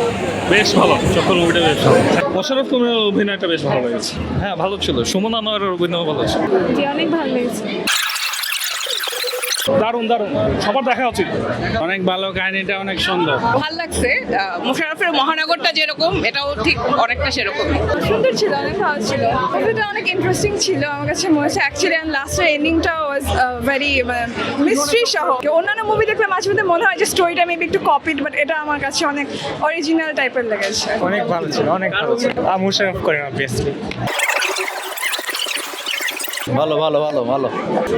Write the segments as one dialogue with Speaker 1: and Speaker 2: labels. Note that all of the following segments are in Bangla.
Speaker 1: বেশ ভালো, চক্কর মুভিটা বেশ ভালো। মোশাররফ করিমের অভিনয়টা বেশ ভালো লেগেছে। হ্যাঁ ভালো ছিল, সুমন আনোয়ারের অভিনয় ভালো ছিল।
Speaker 2: জি, অনেক ভালো লেগেছে।
Speaker 1: দারুণ দারুণ, সবার দেখা উচিত।
Speaker 3: অনেক ভালো, কাহিনীটা অনেক সুন্দর।
Speaker 4: ভালো লাগছে। মোশাররফের মহানগরটা যেরকম, এটাও ঠিক অনেকটা সেরকম।
Speaker 2: সুন্দর ছিল, অনেক ভালো ছিল। মুভিটা অনেক ইন্টারেস্টিং ছিল আমার কাছে মনে হচ্ছে অ্যাকচুয়ালি, অ্যান্ড লাস্টের এন্ডিংটা ওয়াজ ভেরি মিস্ট্রি সহ। অন্যান্য মুভি দেখলে মাঝে মধ্যে মনে হয় যে স্টোরিটা মেবি একটু কপিড, বাট এটা আমার কাছে অনেক অরিজিনাল টাইপের লেগেছে।
Speaker 5: অনেক ভালো ছিল, অনেক ভালো ছিল। মুশাররফ করিম অবভিয়াসলি।
Speaker 6: ভালো ভালো ভালো ভালো।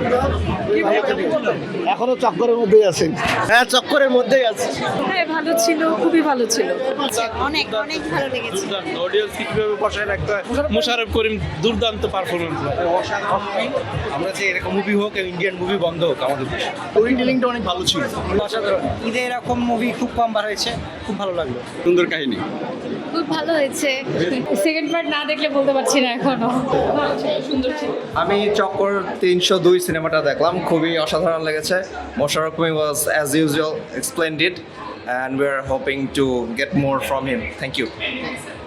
Speaker 6: এখনো চক্করের মধ্যেই আছেন? হ্যাঁ, চক্করের মধ্যেই আছে।
Speaker 2: হ্যাঁ ভালো ছিল, খুবই ভালো ছিল।
Speaker 4: অনেক অনেক ভালো লেগেছে।
Speaker 3: অডিয়েন্স কিভাবে বসায় রাখতে হয়, মোশাররফ করিম দুর্দান্ত পারফরমেন্স।
Speaker 6: আমরা যে এরকম মুভি হোক, ইন্ডিয়ান মুভি বন্ধ হোক, আমাদের স্টোরি টেলিংটা অনেক ভালো ছিল।
Speaker 5: অসাধারণ। ঈদে এরকম মুভি খুব কম বার হয়েছে, খুব ভালো লাগলো।
Speaker 3: সুন্দর কাহিনী।
Speaker 2: খুব ভালো হয়েছে। সেকেন্ড পার্ট না দেখলে বলতে পারছি না এখনো। ভালো ছিল, সুন্দর ছিল।
Speaker 6: আমি চক্কর 302 সিনেমাটা দেখলাম, খুবই অসাধারণ লেগেছে। Mosharraf Karim was as usual explained it, and we are hoping to get more from him. Thank you.